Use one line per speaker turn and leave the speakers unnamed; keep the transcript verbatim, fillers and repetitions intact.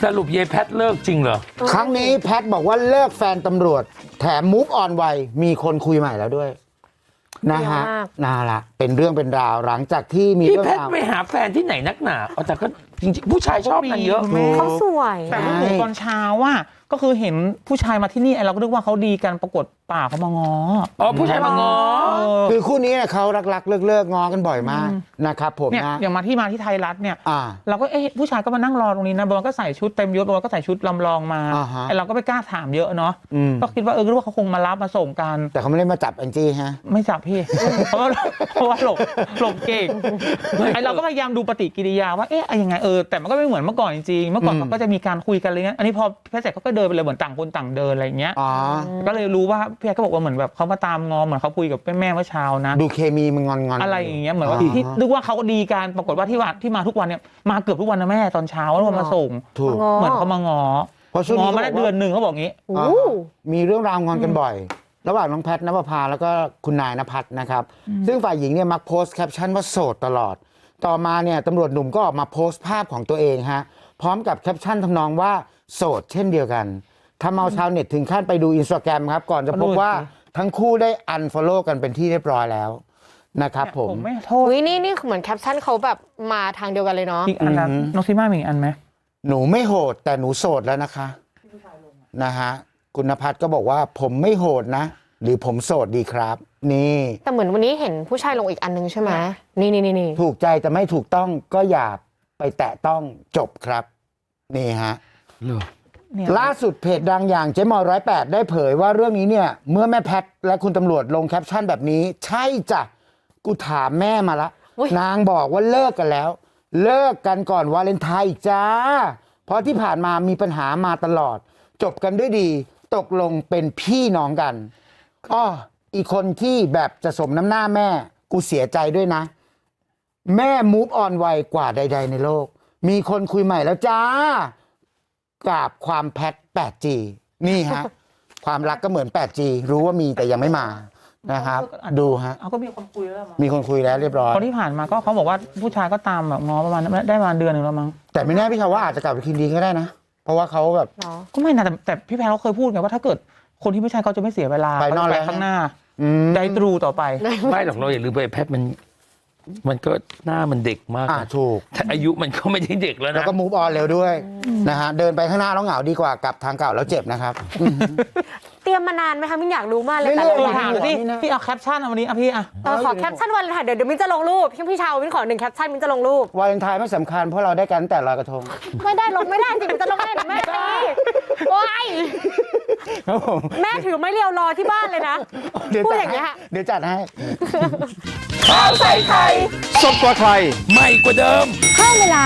สรุปเยแพทเลิกจริงเหรอ
ครั้งนี้แพทบอกว่าเลิกแฟนตำรวจแถมมูฟออนไวมีคนคุยใหม่แล้วด้วยนะฮะน่าละเป็นเรื่องเป็นราวหลังจากที่มี
พี่แพทไปหาแฟนที่ไหนนักหนาเอาแต่ก็จริงๆผู้ชายชอบนางเยอะ
เขาสวย
แต่เมื่อตอนเช้าว่าก็คือเห็นผู้ชายมาที่นี่เราก็นึกว่าเขาดีกันปรากฏป่าเขามาง้อ
อ๋อผู้ชายมาง้อ
คือคู่นี้เขารักๆเลิกๆง้อกันบ่อยมากนะครับผมนะ
อย่างมาที่มาที่ไทยรัฐเนี่ยเราก็เอ๊ะผู้ชายก็มานั่งรอตรงนี้นะบอลก็ใส่ชุดเต็มยศบอลก็ใส่ชุดลำลองมาไอเราก็ไม่กล้าถามเยอะเนาะก็คิดว่าเออคิดว่าเขาคงมารับมาส่งกัน
แต่เขาไม่ได้มาจับแองจี้ฮะ
ไม่จับพี่เพราะว่าเพราะว่าหลบหลบเก่งไอเราก็พยายามดูปฏิกิริยาว่าเอ๊ะยังไงเออแต่มันก็ไม่เหมือนเมื่อก่อนจริงๆเมื่อก่อนเขาก็จะมีการคุยกันอะไรเงี้ยอันนี้พอแพทย์เสร็จเขาก็เดินไปเลยเหมือนต่างคนต่างเดินอะไรเงี้ยก็เลยรู้ว่าพี่แพทย์ก็บอกว่าเหมือนแบบเขามาตามงอเหมือนเขาคุยกับแม่เมื่อเช้านะ
ดูเคมีมันงอนๆ
อะไรอย่างเงี้ยเหมือนว่าที่นึกว่าเขาดีกันปรากฏว่าที่ว่าที่มาทุกวันเนี่ยมาเกือบทุกวันนะแม่ตอนเช้าแล้วมาส่งเหมือนเขามางอ
เพราะช่วงนี้
มาได้เดือนหนึ่งเขาบอกงี้
มีเรื่องราวงอนกันบ่อยระหว่างน้องแพทณปภาแล้วก็คุณนายณภัทรนะครับซึ่งฝ่ายหญิงเนี่ยมักโพสต์แคปชั่นว่าโสดตลอดต่อมาเนี่ยตำรวจหนุ่มก็ออกมาโพสต์ภาพของตัวเองฮะพร้อมกับแคปชั่นทำนองว่าโสดเช่นเดียวกันทำเอาชาวเน็ตถึงขั้นไปดูอินสตาแกรมครับก่อนจะพบว่าทั้งคู่ได้อันฟอลโล่กันเป็นที่เรียบร้อยแล้วนะครับผม
ผมไม่โทษ
วินี่นี่เหมือนแคปชั่นเขาแบบมาทางเดียวกันเลยเนาะ
อีกอันนั้นน้องซิม่ามีอีกอันไหม
หนูไม่โหดแต่หนูโสดแล้วนะคะนะฮะคุณณภัทรก็บอกว่าผมไม่โหดนะหรือผมโสดดีครับนี่
แต่เหมือนวันนี้เห็นผู้ชายลงอีกอันนึงใช่ไหมนี่นี่นี่
ถูกใจแต่ไม่ถูกต้องก็อย่าไปแตะต้องจบครับนี่ฮะล่าสุดเพจดังอย่างเจ๊มอยร้อยแปดได้เผยว่าเรื่องนี้เนี่ยเมื่อแม่แพทและคุณตำรวจลงแคปชั่นแบบนี้ใช่จ้ะกูถามแม่มาละนางบอกว่าเลิกกันแล้วเลิกกันก่อนวาเลนไทน์อีกจ้าเพราะที่ผ่านมามีปัญหามาตลอดจบกันด้วยดีตกลงเป็นพี่น้องกันอ้ออีกคนที่แบบจะสมน้ำหน้าแม่กูเสียใจด้วยนะแม่มูฟออนไวกว่าใดๆในโลกมีคนคุยใหม่แล้วจ้ากราบความแพท แปดจี นี่ฮะ ความรักก็เหมือน แปดจี รู้ว่ามีแต่ยังไม่มานะครับดูฮะ
เอาก็มีคนคุยแล้ว
มีคนคุยแล้วเรียบร้อย
ตอนที่ผ่านมาก็เขาบอกว่าผู้ชายก็ตามแบบง้อประมาณได้ประมาณเดือนหนึ่งแล้วมั้ง
แต่ไม่แน่พี่ชาวว่าอาจจะกลับไปคืนดีก็ได้นะเพราะว่าเขาแบบ
ก็ไม่นะแต่แต่พี่แพรเขาเคยพูดไงว่าถ้าเกิดคนที่ไม่ใช่เขาจะไม่เสียเวลา
ไปนอกแล้ว
ข้างหน้าได้ตรูต่อไป
ไม่หรอกเราอย่าลืมไปแพทมันมันก็หน้ามันเด็กมาก
อ่าถูก
แต่อายุมันก็ไม่ได้เด็กแล้วนะ
แล้วก็มูฟออนเร็วด้วยนะฮะเดินไปข้างหน้าแล้วเหงาดีกว่ากลับทางเก่าแล้วเจ็บนะครับ
เตรียมมานานไหมคะมิ้นอยากรู้มากเลยแต่
ละถามพี่พี่เอาแคปชั่นวันนี้อ่ะพี่อ่ะ
ขอแคปชั่นวันเลยค่ะเดี๋ยวเดี๋ยวมิ้นจะลงรูปพี่พี่ชาวมิ้นขอหนึ่งแคปชั่นมิ้นจะลงรูป
วาเลนไทน์ไม่สำคัญเพราะเราได้กันแต่ลอยกระทง
ไม่ได้ลงไม่ได้จริงมันจะลงไม่ได้แม่ตีโอ้ยแม่ถือไม้เรียวรอที่บ้านเลยนะพูดอย่างเงี้ย
เดี๋ยวจัดให้
ข้าวใส่ไข่
สดกว่าใคร
ใหม่กว่าเดิม
เพิ่มเวลา